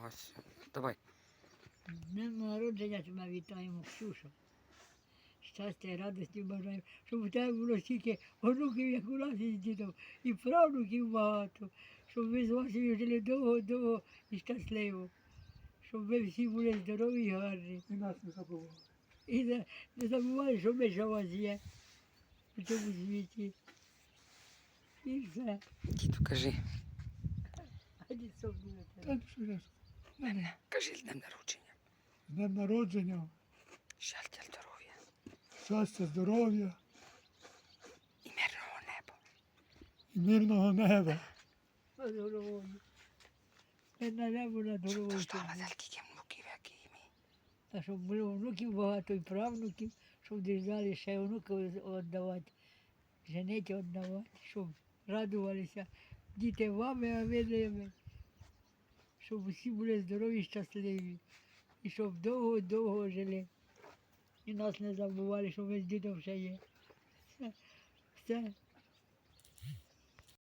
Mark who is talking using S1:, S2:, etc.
S1: Ось. Давай.
S2: Днем народження тебе вітаємо, Ксюша. Щастя і радості бажаємо, щоб у тебе було стільки онуків, як у нас із дідом, і правнуків багато, щоб ви з Васею жили довго-довго і щасливо, щоб ви всі були здорові і гарні.
S3: І нас не забували.
S2: І не забувай, що ми ще у вас є у цьому світі. І все.
S1: Діду, кажи.
S2: А дід що буде
S3: Та
S2: тебе?
S3: ну що я скажу?
S1: Кажи з днем народження.
S3: З днем народження,
S1: Щастя, здоров'я
S3: щастя, здоров'я
S1: і мирного неба.
S3: і мирного неба.
S2: Над головою. Не на небо над головою. щоб
S1: Ждала
S2: було.
S1: тільки внуків, як і ми.
S2: Та щоб було внуків багато і правнуків, щоб держали ще внуків віддавати, женити віддавати, щоб радувалися діти вами, а ви ними. Щоб усі були здорові і щасливі. І щоб довго-довго жили. І нас не забували, що ми з дідом ще є. Все.